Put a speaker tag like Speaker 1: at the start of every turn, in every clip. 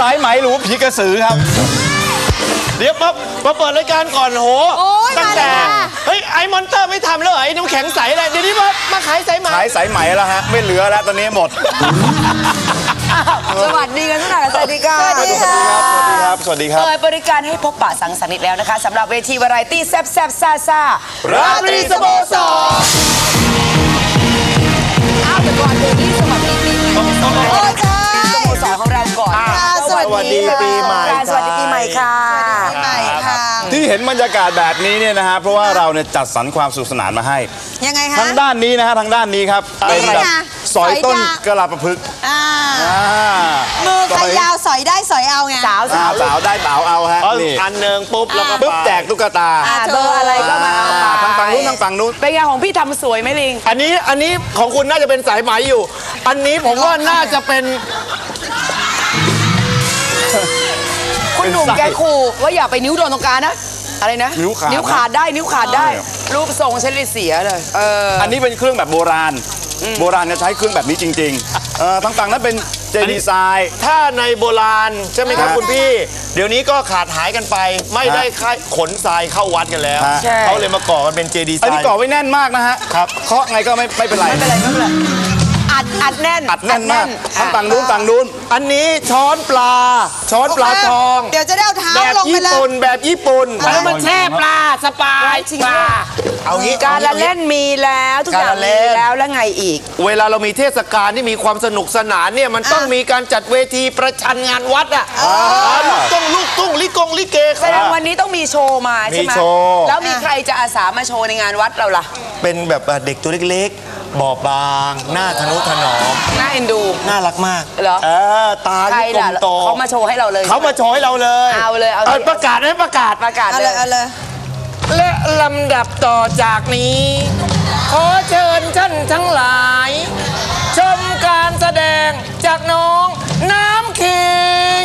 Speaker 1: สายไหมหรือผีกระสือครับเดี๋ยวมาเปิดรายการก่อนโหตั้งแต่เฮ้ยไอ้มอนเตอร์ไม่ทำแล้วไอ้น้ำแข็งใสเลยเดี๋ยวนี้มาขายสายไหมขายสายไหมแล้วฮะไม่เหลือแล้วตอนนี้หมด
Speaker 2: สวัสดีกันทุกท่านสวัสดีค่ะ
Speaker 1: สวัสดีครับสวัสดีครับ
Speaker 2: เปิดบริการให้พบปะสังสรรค์อีกแล้วนะคะสำหรับเวทีวาไรตี้แซ่บซ่า
Speaker 1: ราตรีสโมสร
Speaker 2: แต่ก่อนเดี๋ยวนี้สวัสดีปีใหม่สโมสรของเราก่อน
Speaker 1: สวัสดีปีใหม่
Speaker 2: สวัสดีปีใหม่ค่ะ
Speaker 1: ที่เห็นบรรยากาศแบบนี้เนี่ยนะฮะเพราะว่าเราเนี่ยจัดสรรความสนุกสนานมาให้
Speaker 3: ยังไงคะ
Speaker 1: ทางด้านนี้นะฮะทางด้านนี้ครับเป็นแบบสอยต้นกระลาประพฤกษ์
Speaker 3: มือใครยาวสอยได้สอยเอาไง
Speaker 1: สาวได้สาวเอาฮะนี่อันหนึ่งปุ๊บแล้วก็แจกตุ๊กตา
Speaker 2: เบอร์อะไรก็มา
Speaker 1: ทางฝั่งนู้นทางฝั่งนู้น
Speaker 2: เป็นไงของพี่ทำสวยไหมลิง
Speaker 1: อันนี้ของคุณน่าจะเป็นสายไหมอยู่อันนี้ผมว่าน่าจะเป็น
Speaker 2: คุณหนุ่มแกขู่ว่าอย่าไปนิ้วโดนตรงกลางนะอะไรนะนิ้วขาดได้รูปทรงเฉลี่ยเสียเลย
Speaker 1: อันนี้เป็นเครื่องแบบโบราณจะใช้เครื่องแบบนี้จริงๆทางฝั่งนั้นเป็นเจดีไซน์ถ้าในโบราณใช่ไหมครับคุณพี่เดี๋ยวนี้ก็ขาดหายกันไปไม่ได้ขนทรายเข้าวัดกันแล้วเขาเลยมาก่อกันเป็นเจดีไซน์อันนี้ก่อไว้แน่นมากนะฮะครับเคาะไงก็ไม่เป็นไร
Speaker 2: อัดแน่น
Speaker 1: มากทางฝั่งนู้นอันนี้ช้อนปลาทอง
Speaker 3: เดี๋ยวจะได้เอาเท้าลงไปเลย
Speaker 1: แบบญี่ปุ่น
Speaker 2: แล้วมันแช่ปลาสปายปลาเอางี้การละเล่นมีแล้วทุกอย่างมีแล้วไงอีก
Speaker 1: เวลาเรามีเทศกาลที่มีความสนุกสนานเนี่ยมันต้องมีการจัดเวทีประชันงานวัดอ่ะลูกตุ้งลิเก
Speaker 2: แสดงวันนี้ต้องมีโชว์มาใช่ไหมแล้วมีใครจะอาสามาโชว์ในงานวัดเราล่ะ
Speaker 1: เป็นแบบเด็กตัวเล็กบอบบางหน้าทนุถนอม
Speaker 2: น่าเอ็นดู
Speaker 1: น่ารักมาก
Speaker 2: เหรอ
Speaker 1: ตาลูกโต
Speaker 2: เขามาโชว์ให้เราเลย
Speaker 1: เอาเลยประกาศ
Speaker 3: เอาเลย
Speaker 1: และลำดับต่อจากนี้ขอเชิญท่านทั้งหลายชมการแสดงจากน้องน้ำขิง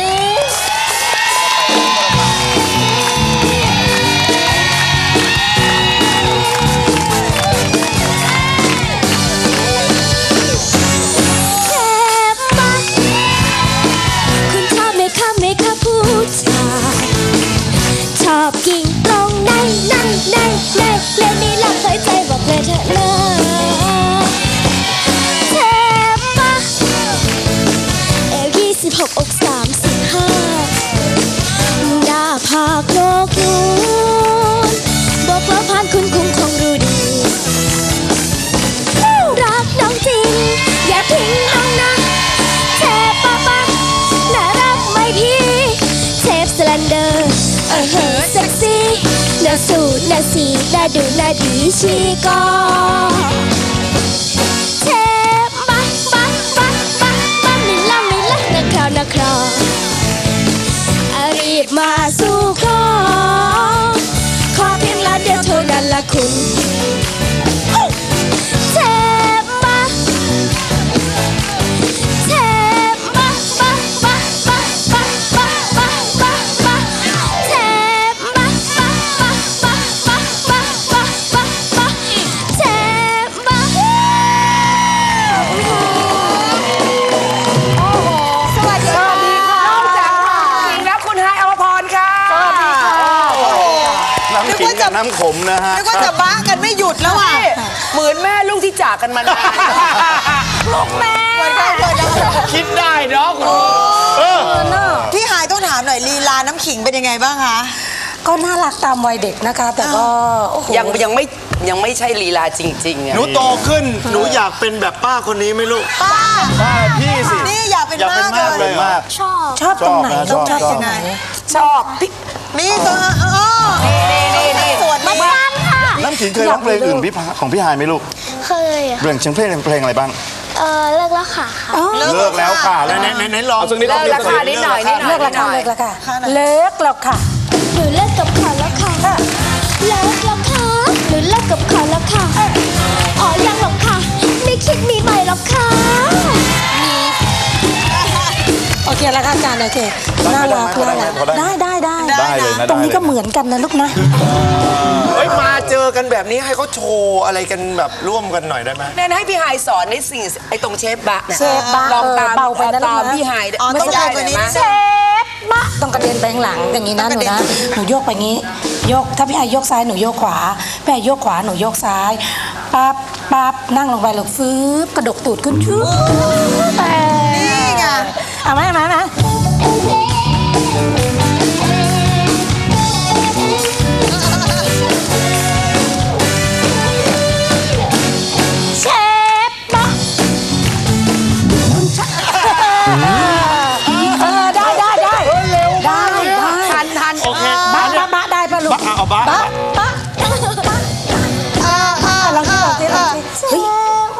Speaker 4: ชอบกิ่งตรงในเล่นนี้หลับเคยใจบอกเลยเธอเลิกเทปะเอว26อก35หน้าผากโลกนูนบอกแล้วผ่านคุณคงรู้ดีรักน้องจริงอย่าทิ้งน้องนะเทปะน่ารักไหมพี่เทปสแลนเดอร์เซ็กซี่น่าสูดน่าสีน่าดูน่าดีชีก็เทปไม่ละนะคราวรีบมาสู่ขอเพียงละเดียวเท่านั้นละคุณเทป
Speaker 1: น้ำขมนะฮะ
Speaker 3: นึกว่าจะบ้ากันไม่หยุดแล้วอ่ะ
Speaker 2: เหมือนแม่ลูกที่จากกันมานานลูกแม่
Speaker 1: คิดได้เนาะ
Speaker 3: พี่หายต้องถามหน่อยลีลาน้ำขิงเป็นยังไงบ้างคะ
Speaker 5: ก็น่ารักตามวัยเด็กนะคะแต่ก็
Speaker 2: ยังไม่ใช่ลีลาจริงๆ
Speaker 1: หนูโตขึ้นหนูอยากเป็นแบบป้าคนนี้ไหมลูก
Speaker 3: ป้า
Speaker 1: พี่สิ
Speaker 3: นี่อยากเป็นมากเลย
Speaker 5: ชอบตรงไหนชอบยังไง
Speaker 2: ชอบ
Speaker 3: นี่ตัว
Speaker 2: นี่
Speaker 3: สวนมาก
Speaker 4: ค่ะ
Speaker 1: น้ำขิงเคยร้องเพลงอื่นของพี่หายไหมลูก
Speaker 4: เคย
Speaker 1: เรื่องเพลงอะไรบ้าง
Speaker 4: เลิกแล้วค่ะ
Speaker 1: เลิกแล้วค่ะแล้วไหนลอง
Speaker 2: เลิกแล้วค่ะนิดหน่อย
Speaker 5: เลิกแล้วค่ะเลิกแล้วค่ะ
Speaker 4: หนูเลิกกับเขาแล้วค่ะเลิกแล้วค่ะหนูเลิกกับเขาแล้วค่ะอ๋อยังหรอกค่ะไม่คิดมีใหม่หรอกค่ะ
Speaker 5: โอเคแล้วค่ะอาจารย์โอเคน่ารักได้เลยนะตรงนี้ก็เหมือนกันนะลูกนะ
Speaker 1: มาเจอกันแบบนี้ให้เขาโชว์อะไรกันแบบร่วมกันหน่อยได้ไหม
Speaker 2: แม่ให้พี่ไฮสอนในสิ่งไอ้ตรงเชฟบะเนี่ย
Speaker 5: ลองตาม
Speaker 2: พี่ไฮ
Speaker 3: ไม่ได้เลยนะ
Speaker 2: เชฟ
Speaker 5: ต้องกระเด็นไปข้างหลังอย่างนี้นะหนูนะหนูโยกไปงี้โยกถ้าพี่ไอโยกซ้ายหนูโยกขวาพี่ไอโยกขวาหนูโยกซ้ายปั๊บปั๊บนั่งลงไปหลกฟื้บกระดกตูดขึ้นชูไปนี่ไงเอาไหมเชฟปะทันโอเคบ้าได้ป่ะลูก
Speaker 1: เอาบ้า
Speaker 5: ลองสิเฮ้ย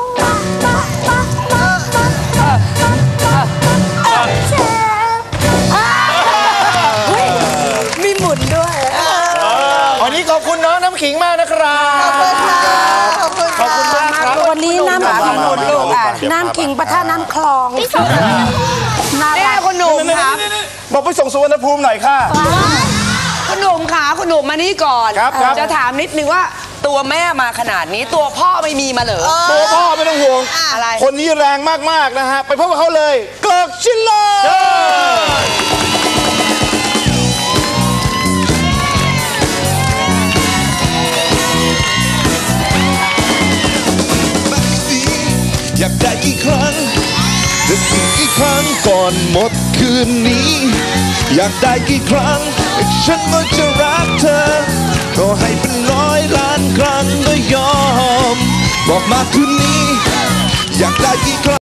Speaker 5: มีหมุนด้วย
Speaker 1: วันนี้ขอบคุณน้องน้ำขิงมากนะครับขอบคุณมากครับ
Speaker 5: วันนี้น้ำขิงหมดลูกน้ำขิงปะท่าน้ำคลอง
Speaker 2: นี่คุณหนุ่มครับ
Speaker 1: บอกไปส่งสุวรรณภูมิหน่อยค่ะ
Speaker 2: คุณหนุ่มขาคุณหนุ่มมานี่ก่อนจะถามนิดนึงว่าตัวแม่มาขนาดนี้ตัวพ่อไม่มีมาเหรอ
Speaker 1: ตัวพ่อไม่ต้องห่วง
Speaker 2: อะไร
Speaker 1: คนนี้แรงมากๆนะฮะไปพบกับเขาเลยเกิร์กชิลเลอร์
Speaker 6: อยากได้กี่ครั้งจะสิ่งกี่ครั้งก่อนหมดคืนนี้อยากได้กี่ครั้งฉันก็จะรักเธอก็ให้เป็น100 ล้านครั้งก็ยอมบอกมาคืนนี้อยากได้กี่ครั้ง